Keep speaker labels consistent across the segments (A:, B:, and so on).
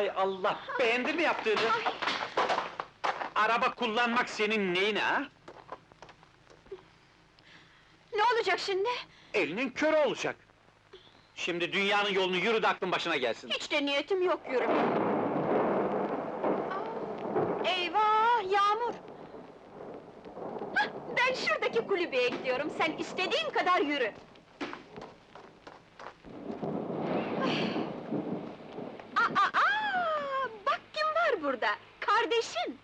A: Hay Allah! Beğendin mi yaptığını? Araba kullanmak senin neyine ha?
B: Ne olacak şimdi?
A: Elinin körü olacak! Şimdi dünyanın yolunu yürü de aklın başına gelsin!
B: Hiç de niyetim yok yürümeye. Eyvah, yağmur! Hah, ben şuradaki kulübeye gidiyorum, sen istediğin kadar yürü! Bak kim var burada, kardeşin!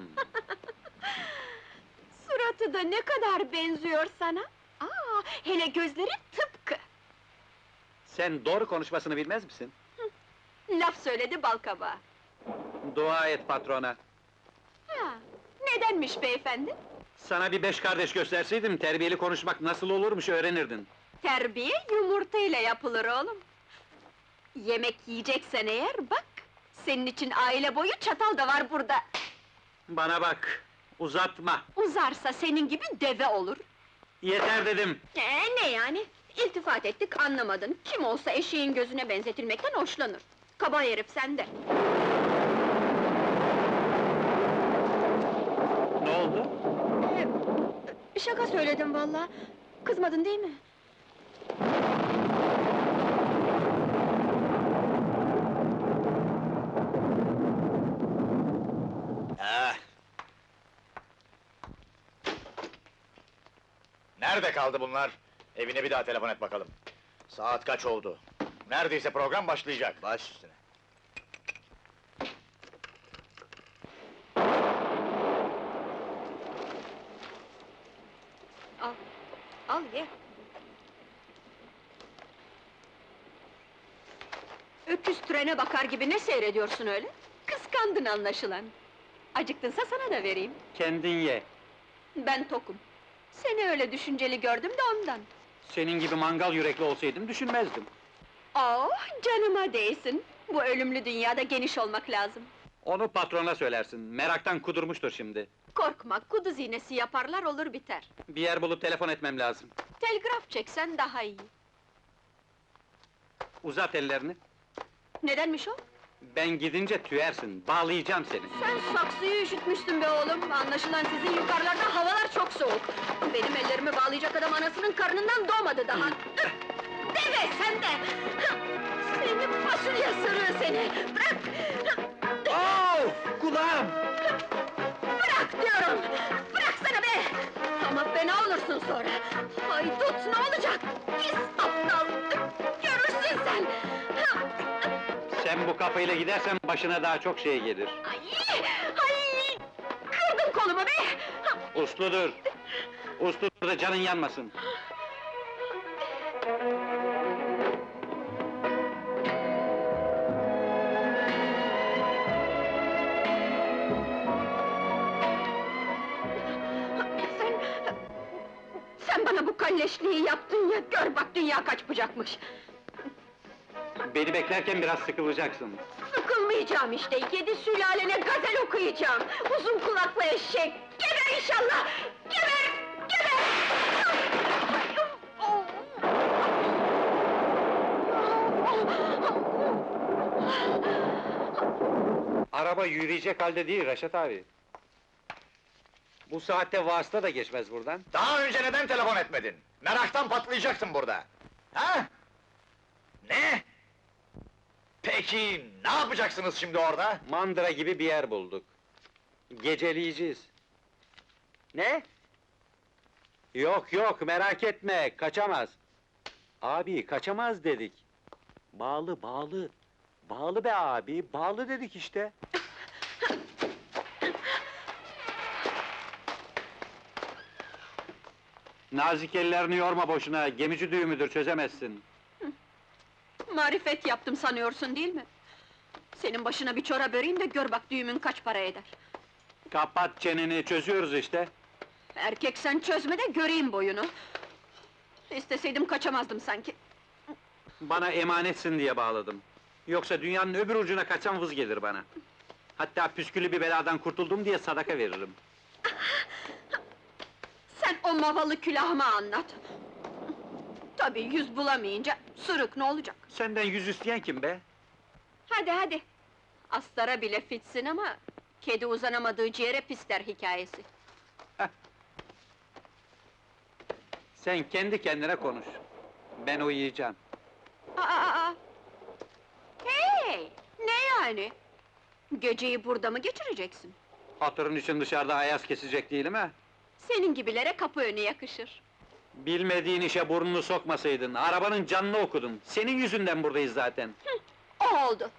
B: Suratı da ne kadar benziyor sana! Hele gözleri tıpkı!
A: Sen doğru konuşmasını bilmez misin?
B: Laf söyledi balkabağı!
A: Dua et patrona!
B: Nedenmiş beyefendi?
A: Sana bir 5 kardeş gösterseydim, terbiyeli konuşmak nasıl olurmuş öğrenirdin!
B: Terbiye yumurtayla yapılır oğlum! Yemek yiyeceksen eğer, bak! Senin için aile boyu çatal da var burada!
A: Bana bak! Uzatma!
B: Uzarsa senin gibi deve olur!
A: Yeter dedim!
B: Ne yani? İltifat ettik, anlamadın! Kim olsa eşeğin gözüne benzetilmekten hoşlanır! Kaba herif sende!
A: Ne oldu?
B: Şaka söyledim vallahi! Kızmadın değil mi?
C: Nerede kaldı bunlar? Evine bir daha telefon et bakalım. Saat kaç oldu? Neredeyse program başlayacak. Baş üstüne.
B: Al, al ye! Öküz trene bakar gibi ne seyrediyorsun öyle? Kıskandın anlaşılan! Acıktınsa sana da vereyim!
A: Kendin ye!
B: Ben tokum! Seni öyle düşünceli gördüm de ondan!
A: Senin gibi mangal yürekli olsaydım düşünmezdim!
B: Oh, canıma değsin! Bu ölümlü dünyada geniş olmak lazım!
A: Onu patrona söylersin, meraktan kudurmuştur şimdi!
B: Korkma, kuduz iğnesi yaparlar, olur biter!
A: Bir yer bulup telefon etmem lazım!
B: Telgraf çeksen daha iyi!
A: Uzat ellerini!
B: Nedenmiş o?
A: Ben gidince tüyersin, bağlayacağım seni!
B: Sen saksıyı üşütmüşsün be oğlum! Anlaşılan sizin yukarılarda havalar çok soğuk! Benim ellerimi bağlayacak adam anasının karnından doğmadı daha! Deve sen de! Seni fasulye sırığı seni! Bırak!
A: Of! Kulağım!
B: Bırak diyorum! Bıraksana be! Ama fena olursun sonra! Haydut ne olacak? Pis aptal! Görürsün sen!
A: Sen bu kafayla gidersen başına daha çok şey gelir!
B: Ay! Kırdın kolumu be!
A: Usludur! Usludur da canın yanmasın!
B: Sen bana bu kalleşliği yaptın ya, gör bak dünya kaç bucakmış!
A: Beni beklerken biraz sıkılacaksın!
B: Sıkılmayacağım işte, 7 sülalene gazel okuyacağım! Uzun kulaklı eşek! Geber inşallah! Geber! Geber!
A: Araba yürüyecek halde değil Reşat abi! Bu saatte vasıta da geçmez buradan!
C: Daha önce neden telefon etmedin? Meraktan patlayacaksın burada! Ha? Ne? Peki, ne yapacaksınız şimdi orada?
A: Mandıra gibi bir yer bulduk! Geceleyeceğiz! Ne? Yok yok, merak etme, kaçamaz! Abi, kaçamaz dedik! Bağlı, bağlı! Bağlı be abi, bağlı dedik işte! Nazik ellerini yorma boşuna, gemici düğümüdür, çözemezsin!
B: Marifet yaptım sanıyorsun değil mi? Senin başına bir çorap öreyim de gör bak düğümün kaç para eder!
A: Kapat çeneni, çözüyoruz işte!
B: Erkek sen çözme de göreyim boyunu! İsteseydim kaçamazdım sanki!
A: Bana emanetsin diye bağladım! Yoksa dünyanın öbür ucuna kaçsam vız gelir bana! Hatta püskülü bir beladan kurtuldum diye sadaka veririm!
B: Sen o mavalı külahıma anlat! Tabii yüz bulamayınca, sırık ne olacak?
A: Senden yüz isteyen kim be?
B: Hadi hadi! Astara bile fitsin ama... ...kedi uzanamadığı ciğere pisler hikayesi.
A: Sen kendi kendine konuş. Ben uyuyacağım.
B: Aa! Hey! Ne yani? Geceyi burada mı geçireceksin?
A: Hatırın için dışarıda ayaz kesecek değilim ha?
B: Senin gibilere kapı önü yakışır.
A: Bilmediğin işe burnunu sokmasaydın, arabanın canını okudun. Senin yüzünden buradayız zaten.
B: O oldu.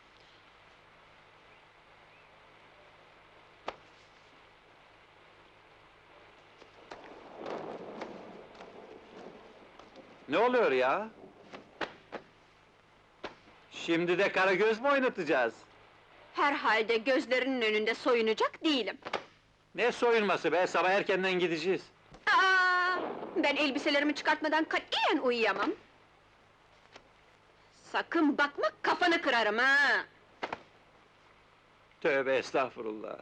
A: Ne oluyor ya? Şimdi de Karagöz mü oynatacağız?
B: Herhalde gözlerinin önünde soyunacak değilim.
A: Ne soyunması be, sabah erkenden gideceğiz.
B: Aa! Ben elbiselerimi çıkartmadan katiyen uyuyamam. Sakın bakma, kafanı kırarım ha!
A: Tövbe estağfurullah.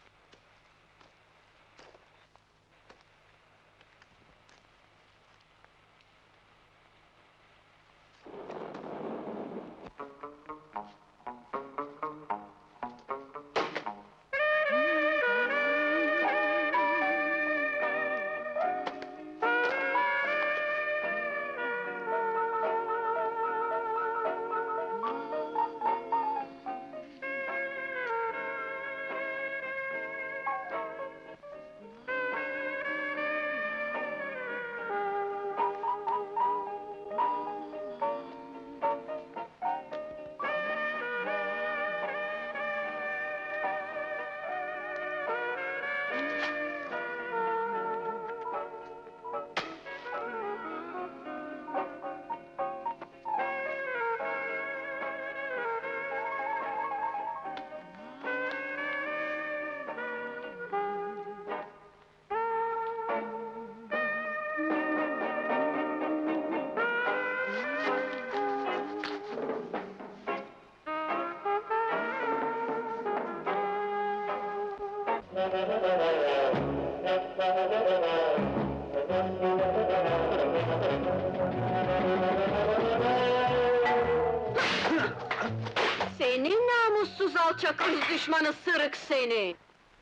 B: Seni namussuz alçak ırz düşmanı sırık seni!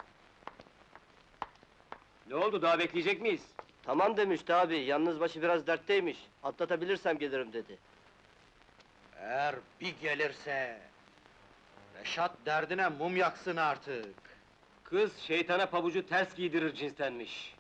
A: Ne oldu, daha bekleyecek miyiz?
D: Tamam demişti abi, yalnız başı biraz dertteymiş. Atlatabilirsem gelirim dedi.
C: Eğer bir gelirse... Reşat derdine mum yaksın artık.
D: Kız şeytana pabucu ters giydirir cinstenmiş.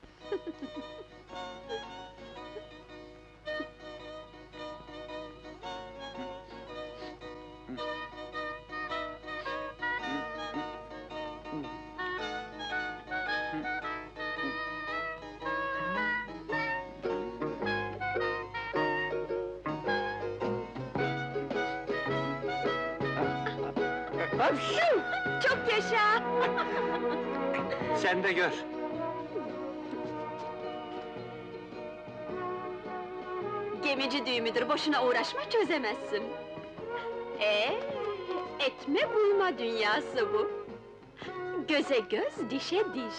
B: Hapşu! Çok yaşa!
A: Sen de gör.
B: Gemici düğümüdür, boşuna uğraşma, çözemezsin. Etme buyma dünyası bu. Göze göz, dişe diş.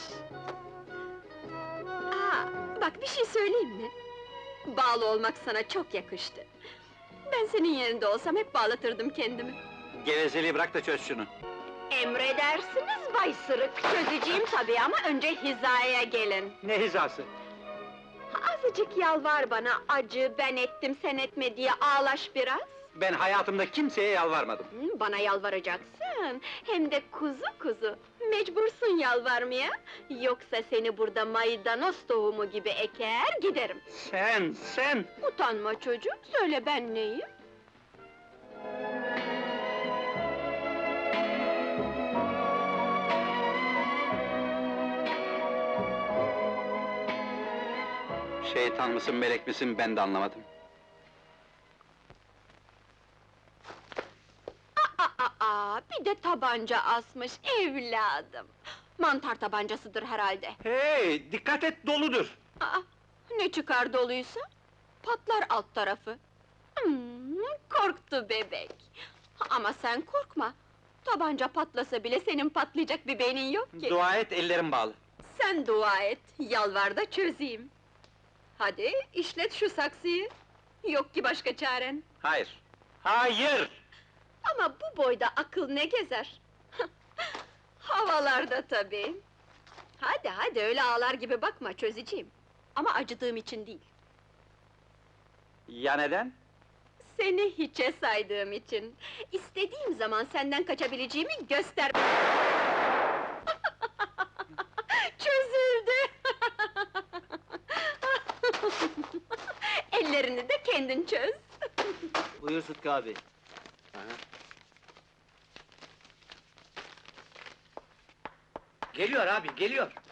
B: Bak bir şey söyleyeyim mi? Bağlı olmak sana çok yakıştı. Ben senin yerinde olsam hep bağlatırdım kendimi.
A: Gevezeliği bırak da çöz şunu.
B: Emredersiniz Bay Sırık, çözeceğim tabii ama önce hizaya gelin.
A: Ne hizası?
B: Azıcık yalvar bana, acı, ben ettim sen etme diye ağlaş biraz.
A: Ben hayatımda kimseye yalvarmadım.
B: Bana yalvaracaksın, hem de kuzu kuzu. Mecbursun yalvarmaya, yoksa seni burada maydanoz tohumu gibi eker giderim.
A: Sen!
B: Utanma çocuğum, söyle ben neyim?
A: Şeytan mısın, melek misin, ben de anlamadım.
B: Bir de tabanca asmış evladım. Mantar tabancasıdır herhalde.
A: Hey, dikkat et, doludur!
B: Ne çıkar doluysa? Patlar alt tarafı. Korktu bebek. Ama sen korkma. Tabanca patlasa bile senin patlayacak bir beynin yok ki.
A: Dua et, ellerim bağlı.
B: Sen dua et, yalvar da çözeyim. Hadi, işlet şu saksıyı. Yok ki başka çaren.
A: Hayır! Hayır!
B: Ama bu boyda akıl ne gezer? Havalarda tabii. Hadi hadi, öyle ağlar gibi bakma, çözeceğim. Ama acıdığım için değil,
A: Ya neden?
B: seni hiçe saydığım için. İstediğim zaman senden kaçabileceğimi göster... Çözüldü! Ellerini de kendin çöz.
D: Buyur Sıtkı abi.
E: Geliyor abi, geliyor.